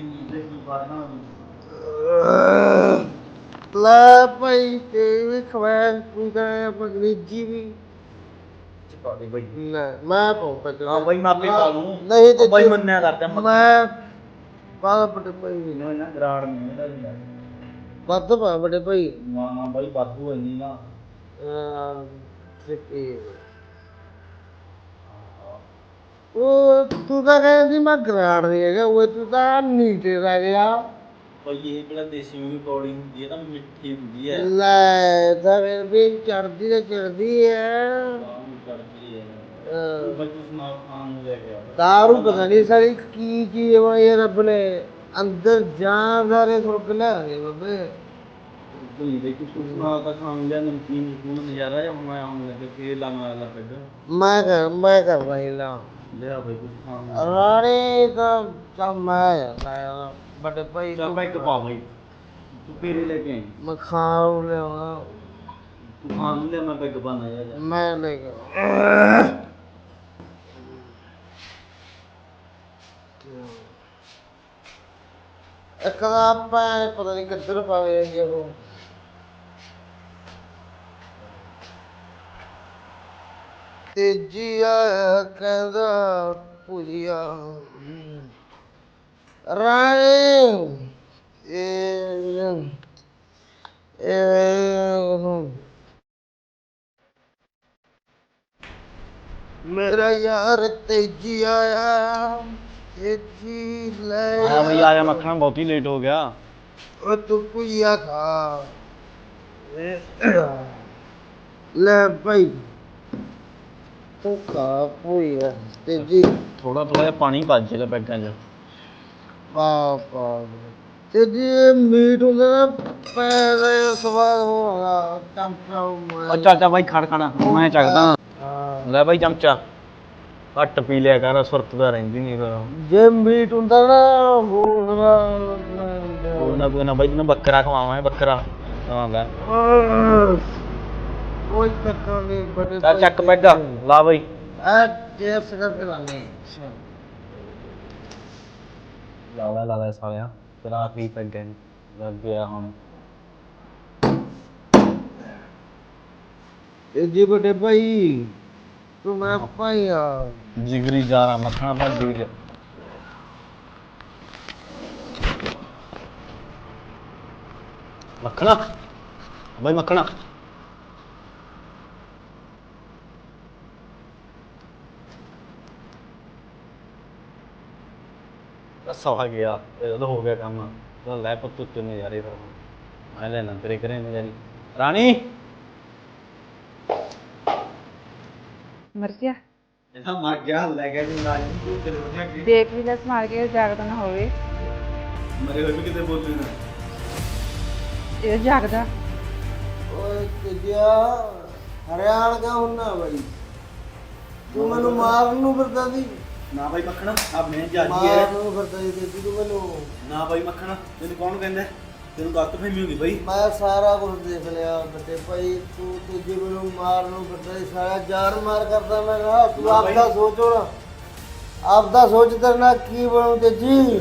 Speaker 1: ਲੈ ਭਾਈ ਤੇ ਵੀ ਖਵਾਇਆ ਤੂੰ ਕਰਿਆ ਅੰਗਰੇਜ਼ੀ ਵੀ।
Speaker 3: ਚਪਾੜੀ ਬਾਈ।
Speaker 1: ਲੈ ਮੈਂ ਪਾਉ ਪੈ।
Speaker 3: ਹਾਂ ਬਾਈ ਮੈਂ ਆਪੇ ਪਾ ਲੂੰ।
Speaker 1: ਨਹੀਂ ਤੇ
Speaker 3: ਬਾਈ ਮੰਨਿਆ ਕਰਦਾ
Speaker 1: ਮੈਂ ਪਾ ਵੱਡੇ ਭਾਈ।
Speaker 3: ਨਾ ਨਾ ਗਰਾੜ ਨਹੀਂ ਇਹਦਾ।
Speaker 1: ਵੱਧ ਪਾ ਵੱਡੇ ਭਾਈ।
Speaker 3: ਨਾ ਬਾਈ ਵਾਧੂ ਇੰਨੀ ਨਾ।
Speaker 1: ਉਹ ਤੂੰ ਤਾਂ ਕਹਿੰਦੀ ਮੈਂ ਗਰਾੜ ਨਹੀਂ ਹੈਗਾ, ਉਹ ਤੂੰ ਤਾਂ ਨੀਟੇ ਰਹਿ ਗਿਆ।
Speaker 3: ਬਾਈ ਇਹ ਕਿਹੜਾ ਦੇਸੀ ਮੂੰਗੀ ਕੌੜੀ ਹੁੰਦੀ ਹੈ, ਤਾਂ ਮਿੱਠੀ ਹੁੰਦੀ ਹੈ।
Speaker 1: ਲੈ ਤਾਂ ਫਿਰ ਵੀ ਚੜਦੀ ਤੇ ਚੜਦੀ ਹੈ।
Speaker 3: ਬਾਈ ਤੂੰ ਸੁਣਾ ਖਾਣ ਨੂੰ ਲੈ ਕੇ ਆ।
Speaker 1: ਦਾਰੂ ਪਤਾ ਨਹੀਂ ਸਾਰੀ ਕੀ ਚੀਜ਼ ਬਣਾਈ ਹੈ ਰੱਬ ਨੇ। ਅੰਦਰ ਜਾਣਦਾਰੇ ਸੁੱਕ ਲਿਆਂਗੇ ਬਾਬੇ।
Speaker 3: ਬਈ ਦੇ ਕੁਛ ਸੁਣਾ ਤਾਂ ਖਾਣ ਲਿਆ ਨਮਕੀਨ ਨੂੰ ਨਜ਼ਾਰਾ ਜਾਂ ਮੈਂ ਆਉਣ ਲੱਗੇ ਫੇਰ ਲਾਵਾਂ ਲਾ ਪੈਗ।
Speaker 1: ਮੈਂ ਕਰ ਰਹੀ ਲਾ
Speaker 3: ਲਿਆ ਬਈ ਕੁਛ ਖਾਣ ਨੂੰ।
Speaker 1: ਰਾਣੀ ਤਾਂ ਚੱਲ ਮੈਂ ਜਾਂਦਾ ਵੱਡੇ ਭਾਈ
Speaker 3: ਚੱਲ ਪੈਗ ਪਾ ਬਈ, ਤੂੰ ਫੇਰੇ ਲੈ ਕੇ ਆਈ।
Speaker 1: ਮੈਂ ਖਾ ਲਿਆਉਣਾ।
Speaker 3: ਤੂੰ ਖਾਣ ਨੂੰ ਲਿਆ, ਮੈਂ ਪੈਗ ਪਾਣਾ ਜਾ।
Speaker 1: ਮੈਂ ਲੈ ਕੇ ਇੱਕ ਤਾਂ ਆਪਾਂ ਪਤਾ ਨਹੀਂ ਕਿੱਧਰ ਪਾਵੇ ਜੀ ਉਹ। ਤੇਜੀ ਆਇਆ ਕਹਿੰਦਾ ਭੁਜੀਆ ਰਾਣੀ ਇਹ ਮੇਰਾ ਯਾਰ ਤੇਜੀ ਆਇਆ। ਤੇਜੀ ਲੈ
Speaker 3: ਹਾਂ ਬਈ ਆਇਆ ਮੱਖਣਾ, ਬਹੁਤ ਹੀ ਲੇਟ ਹੋ ਗਿਆ।
Speaker 1: ਉਹ ਤੂੰ ਭੁਜੀਆ ਖਾ ਲੈ ਭਾਈ। ਤੂੰ ਖਾ ਭੁਜੀਆ ਤੇਜੀ।
Speaker 3: ਥੋੜਾ ਜਿਹਾ ਪਾਣੀ ਪਾ ਦੇ ਪੈਗਾਂ 'ਚ।
Speaker 1: ਪਾ ਤੇ ਜੇ ਮੀਟ ਹੁੰਦਾ ਨਾ ਪੈਦਾ ਸਵਾਦ ਹੋਗਾ ਚਮਚਾ।
Speaker 3: ਅੱਛਾ ਬਾਈ ਖੜ ਮੈਂ ਚੱਕਦਾ। ਲੈ ਬਾਈ ਚਮਚਾ ਘੱਟ ਪੀ ਲਿਆ ਕਰ, ਸੁਰਤ ਤਾਂ ਰਹਿੰਦੀ ਨਹੀਂ ਫਿਰ।
Speaker 1: ਜੇ ਮੀਟ ਹੁੰਦਾ ਨਾ
Speaker 3: ਕੋਈ ਨਾ ਬਾਈ ਤੈਨੂੰ ਬੱਕਰਾ ਖਵਾਵਾਂ। ਬੱਕਰਾ ਆਵਾਂਗਾ।
Speaker 1: ਕੋਈ ਚੱਕਰ ਨਹੀਂ ਬੜੇ।
Speaker 3: ਚੱਲ ਚੱਕ ਪੈਗਾ ਲਾ ਬਾਈ।
Speaker 1: ਆ ਟੇਸਟ ਕਰਕੇ ਲਾਣੇ
Speaker 3: ਲਾ ਲੈ ਸਾਲਿਆ, ਤੇਰਾ ਆਖਰੀ ਪੈਗ ਲੱਗ ਗਿਆ ਹੁਣ।
Speaker 1: ਇਹ ਜੀ ਵੱਡੇ ਭਾਈ ਤੂੰ ਮੈਂ ਭਾਈ ਆ
Speaker 3: ਜਿਗਰੀ ਜਾ ਰਹਾ ਮੱਖਣਾ ਭਾਈ ਜਿਗਰੀ। ਮੱਖਣਾ ਬਾਈ ਮੱਖਣਾ। ਬਸ ਆ ਗਿਆ, ਇਹਦਾ ਹੋ ਗਿਆ ਕੰਮ। ਤਾਂ ਲੈ ਪੁੱਤ ਉੱਤੇ ਨਜ਼ਾਰੇ ਫਿਰ ਮੈਂ ਲੈਣਾ ਤੇਰੇ ਘਰੇ ਨਜ਼ਾਰੇ। ਰਾਣੀ
Speaker 2: ਮਰ ਗਿਆ।
Speaker 3: ਇਹਦਾ ਮਰ ਗਿਆ ਲੈ ਗਿਆ ਜੀ ਨਾਲ ਤੂੰ ਤੇਰੇ ਵਧੀਆ ਕੀ
Speaker 2: ਦੇਖ ਵੀ ਲੈ ਸੰਭਾਲ ਕੇ ਜਾਗਦਾ ਨਾ ਹੋਵੇ।
Speaker 3: ਮਰੇ ਹੋਏ ਵੀ ਕਿਤੇ ਬੋਲਦੇ ਨਾ।
Speaker 2: ਇਹ ਜਾਗਦਾ।
Speaker 1: ਓਏ ਕਿਜਿਆ ਹਰਿਆਣ ਕਾ ਹੁੰਨਾ ਬਈ। ਤੂੰ ਮੈਨੂੰ ਮਾਰਨ ਨੂੰ ਫਿਰਦਾ ਸੀ।
Speaker 3: ਨਾ ਬਾਈ ਮੱਖਣਾ ਆ ਮੈਂ ਜਾਗੀ
Speaker 1: ਮਾਰਨ ਨੂੰ ਫਿਰਦਾ ਸੀ ਤੇ ਤੂੰ ਮੈਨੂੰ।
Speaker 3: ਨਾ ਬਾਈ ਮੱਖਣਾ ਤੈਨੂੰ ਕੌਣ ਕਹਿੰਦਾ? ਤੈਨੂੰ ਗਲਤ ਫਹਿਮੀ ਹੋ ਗਈ ਬਾਈ।
Speaker 1: ਮੈਂ ਸਾਰਾ ਕੁਝ ਦੇਖ ਲਿਆ ਵੱਡੇ ਭਾਈ। ਤੂੰ ਤੇਜੀ ਮੈਨੂੰ ਮਾਰਨ ਨੂੰ ਫਿਰਦਾ ਸੀ, ਸਾਰਾ ਜਾਨ ਮਾਰ ਕਰਦਾ ਮੈਂ ਕਿਹਾ ਤੂੰ ਆਪਦਾ ਸੋਚੋ ਨਾ। ਆਪਦਾ ਸੋਚ ਤੇਰੇ ਨਾਲ ਕੀ ਬਣੂ ਤੇਜੀ।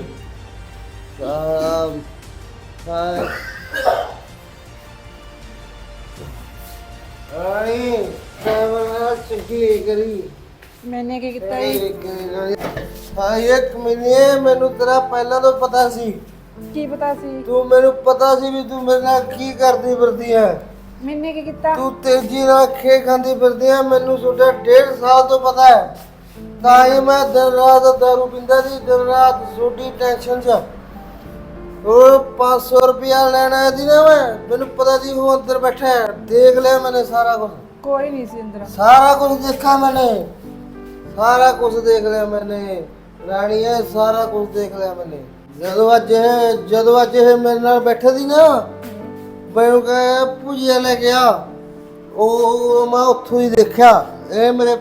Speaker 1: ਰਾਣੀ ਮੈਂ ਚੰਗੀ ਕਰੀ
Speaker 2: ਮੈਨੇ ਕੀ ਕੀਤਾ ਜੀ?
Speaker 1: ਹਾਂ ਇੱਕ ਮਿੰਟ, ਮੈਨੂੰ ਤੇਰਾ ਪਹਿਲਾਂ ਤੋਂ ਪਤਾ ਸੀ।
Speaker 2: ਕੀ ਪਤਾ ਸੀ?
Speaker 1: ਤੂੰ ਮੈਨੂੰ ਪਤਾ ਸੀ ਵੀ ਤੂੰ ਮੇਰੇ ਨਾਲ ਕੀ ਕਰਦੀ ਫਿਰਦੀ ਹੈ।
Speaker 2: ਮੈਨੇ ਕੀ ਕੀਤਾ?
Speaker 1: ਤੂੰ ਤੇਜ਼ੀ ਨਾਲ ਖੇ ਖਾਂਦੀ ਫਿਰਦੀ ਹੈ, ਮੈਨੂੰ ਤੁਹਾਡਾ 1.5 ਸਾਲ ਤੋਂ ਪਤਾ ਹੈ। ਤਾਂ ਹੀ ਮੈਂ ਦਿਨ ਰਾਤ ਦਾਰੂ ਪੀਂਦਾ ਸੀ, ਦਿਨ ਰਾਤ ਛੋਟੀ ਟੈਨਸ਼ਨ 'ਚ। ਉਹ 500 ਰੁਪਇਆ ਲੈਣਾ ਸੀ ਨਾ, ਮੈਨੂੰ ਪਤਾ ਸੀ ਉਹ ਅੰਦਰ ਬੈਠਾ ਹੈ। ਦੇਖ ਲਿਆ ਮੈंने ਸਾਰਾ ਕੁਝ।
Speaker 2: ਕੋਈ ਨਹੀਂ ਸੀ ਅੰਦਰ।
Speaker 1: ਸਾਰਾ ਕੁਝ ਦੇਖਾ मैंने, ਸਾਰਾ ਕੁਝ ਦੇਖ ਲਿਆ मैंने ਰਾਣੀ ਹੈ, ਸਾਰਾ ਕੁਝ ਦੇਖ ਲਿਆ मैंने। ਜਦੋਂ ਅੱਜ ਇਹ ਮੇਰੇ ਨਾਲ ਬੈਠੇ ਸੀ ਨਾ, ਮੈਨੂੰ ਕਹੇ ਭੁਜੀਆ ਲੈ ਕੇ ਆ, ਉਹ ਮੈਂ ਉੱਥੋਂ ਹੀ ਦੇਖਿਆ। ਇਹ ਮੇਰੇ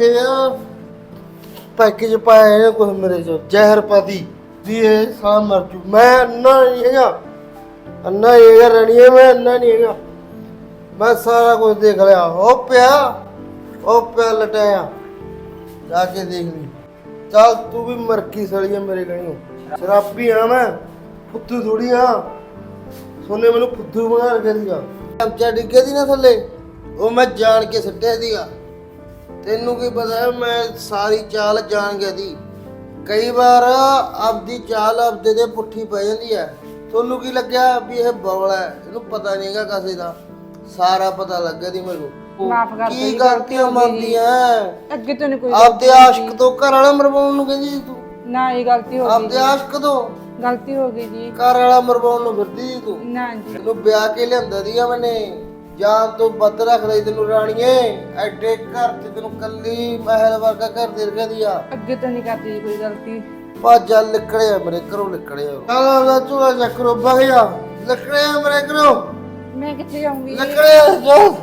Speaker 1: ਪੈਕੇਜ ਪਾਇਆ ਇਹਨੇ ਕੁਝ ਮੇਰੇ ਚ ਜ਼ਹਿਰ ਪਾਤੀ ਵੀ ਇਹ ਸਾਲਾ ਮਰ ਜੂ। ਮੈਂ ਅੰਨਾ ਨਹੀਂ ਹੈਗਾ ਰਾਣੀ ਹੈ, ਮੈਂ ਅੰਨਾ ਨਹੀਂ ਹੈਗਾ। ਮੈਂ ਸਾਰਾ ਕੁਝ ਦੇਖ ਲਿਆ। ਉਹ ਪਿਆ ਲਟਾਇਆ, ਜਾ ਕੇ ਦੇਖ ਲਈ। ਚੱਲ ਤੂੰ ਵੀ ਮਰਕੀ ਸੜੀ ਹੈ ਮੇਰੇ ਗਣੀਓ। ਸ਼ਰਾਬੀ ਆ ਮੈਂ, ਫੁੱਦੂ ਥੋੜੀ ਆ। ਸੋਨੇ ਮੈਨੂੰ ਫੁੱਦੂ ਬਣਾ ਰੱਖਿਆ ਸੀਗਾ। ਚਮਚਾ ਡਿੱਗੇ ਦੀ ਨਾ ਥੱਲੇ, ਉਹ ਮੈਂ ਜਾਣ ਕੇ ਸੁੱਟਿਆ ਸੀਗਾ। ਤੈਨੂੰ ਕੀ ਪਤਾ, ਮੈਂ ਸਾਰੀ ਚਾਲ ਜਾਣ ਗਿਆ ਸੀ। ਕਈ ਵਾਰ ਆਪਦੀ ਚਾਲ ਆਪਦੇ ਦੇ ਪੁੱਠੀ ਪੈ ਜਾਂਦੀ ਹੈ। ਤੁਹਾਨੂੰ ਕੀ ਲੱਗਿਆ ਵੀ ਇਹ ਬੌਲਾ ਹੈ, ਇਹਨੂੰ ਪਤਾ ਨਹੀਂਗਾ ਕਿਸੇ ਦਾ। ਸਾਰਾ ਪਤਾ ਲੱਗ ਗਿਆ ਸੀ ਮੈਨੂੰ।
Speaker 2: ਮਾਫ ਕਰ ਦਿਓ
Speaker 1: ਕੀ
Speaker 2: ਜੀ,
Speaker 1: ਗਲਤੀਆਂ ਮੰਨਦੀਆਂ
Speaker 2: ਅੱਗੇ ਤੋਂ ਨਹੀਂ ਕੋਈ
Speaker 1: ਆਪਦੇ ਆਸ਼ਕ ਤੋਂ ਘਰ ਵਾਲਾ ਮਰਵਾਉਣ ਨੂੰ ਕਹਿੰਦੀ ਸੀ ਤੂੰ।
Speaker 2: ਨਾ ਇਹ ਗਲਤੀ ਹੋ ਗਈ
Speaker 1: ਆਪਦੇ ਆਸ਼ਕ ਤੋਂ
Speaker 2: ਗਲਤੀ ਹੋ ਗਈ ਜੀ।
Speaker 1: ਘਰ ਵਾਲਾ ਮਰਵਾਉਣ ਨੂੰ ਫਿਰਦੀ ਸੀ ਤੂੰ।
Speaker 2: ਨਾ ਜੀ,
Speaker 1: ਤੈਨੂੰ ਵਿਆਹ ਕੇ ਲਿਆਂਦਾ ਸੀਗਾ ਮੈਨੇ, ਜਾਨ ਤੋਂ ਵੱਧ ਰੱਖਦਾ ਸੀ ਤੈਨੂੰ ਰਾਣੀਏ। ਐਡੇ ਘਰ ਚ ਤੈਨੂੰ ਕੱਲੀ ਮਹਿਲ ਵਰਗਾ ਘਰ ਦੇ ਰੱਖਿਆ ਦੀਆ।
Speaker 2: ਅੱਗੇ ਤੋਂ ਨਹੀਂ ਕਰਦੀ ਜੀ ਕੋਈ ਗਲਤੀ।
Speaker 1: ਭਾਜਾ ਲਿਕੜਿਆ ਮੇਰੇ ਘਰੋਂ, ਲਿਕੜਿਆ ਕਾਲਾ ਚੂੜਾ ਚੱਕਰੋ ਬਹਿਆ, ਲਿਕੜਿਆ ਮੇਰੇ ਘਰੋਂ,
Speaker 2: ਮੈਂ ਕਿੱਥੇ ਜਾਊਂਗੀ?
Speaker 1: ਲਿਕੜਿਆ ਜੋ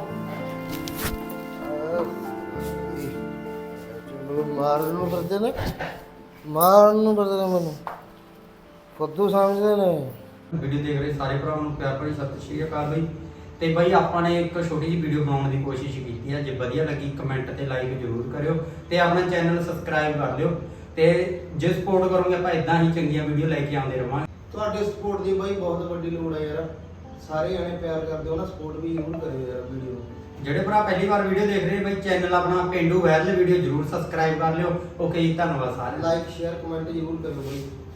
Speaker 1: ਮਾਰਨ ਨੂੰ ਫਿਰਦੇ ਨੇ, ਮੈਨੂੰ ਫੁੱਦੂ ਸਮਝਦੇ ਨੇ।
Speaker 5: ਵੀਡੀਓ ਦੇਖ ਰਹੇ ਸਾਰੇ ਭਰਾਵਾਂ ਨੂੰ ਪਿਆਰ ਭਰੀ ਸਤਿ ਸ਼੍ਰੀ ਅਕਾਲ ਬਈ। ਤੇ ਬਾਈ ਆਪਾਂ ਨੇ ਇੱਕ ਛੋਟੀ ਜਿਹੀ ਵੀਡੀਓ ਬਣਾਉਣ ਦੀ ਕੋਸ਼ਿਸ਼ ਕੀਤੀ ਹੈ। ਜੇ ਵਧੀਆ ਲੱਗੀ ਕਮੈਂਟ ਤੇ ਲਾਈਕ ਜ਼ਰੂਰ ਕਰਿਓ ਤੇ ਆਪਣਾ ਚੈਨਲ ਸਬਸਕ੍ਰਾਈਬ ਕਰ ਲਿਓ। ਤੇ ਜੇ ਸਪੋਰਟ ਕਰੋਗੇ ਆਪਾਂ ਇਦਾਂ ਹੀ ਚੰਗੀਆਂ ਵੀਡੀਓ ਲੈ ਕੇ ਆਉਂਦੇ ਰਵਾਂਗੇ।
Speaker 1: ਤੁਹਾਡੇ ਸਪੋਰਟ ਦੀ ਬਾਈ ਬਹੁਤ ਵੱਡੀ ਲੋੜ ਹੈ ਯਾਰ। ਸਾਰੇ ਜਣੇ ਪਿਆਰ ਕਰਦੇ ਹੋ ਨਾ, ਸਪੋਰਟ ਵੀ ਜ਼ਰੂਰ ਕਰਿਓ ਯਾਰ ਵੀਡੀਓ ਨੂੰ।
Speaker 5: ਜਿਹੜੇ ਭਰਾ ਪਹਿਲੀ ਵਾਰ ਵੀਡੀਓ ਦੇਖ ਰਹੇ ਬਈ, ਚੈਨਲ ਆਪਣਾ ਪੇਂਡੂ ਵਾਇਰਲ ਵੀਡੀਓ ਜ਼ਰੂਰ ਸਬਸਕ੍ਰਾਈਬ ਕਰ ਲਿਓ। ਓਕੇ ਜੀ, ਧੰਨਵਾਦ ਸਾਰਿਆਂ ਦਾ।
Speaker 1: ਲਾਈਕ ਸ਼ੇਅਰ ਕਮੈਂਟ ਜ਼ਰੂਰ ਕਰਿਓ ਬਾਈ।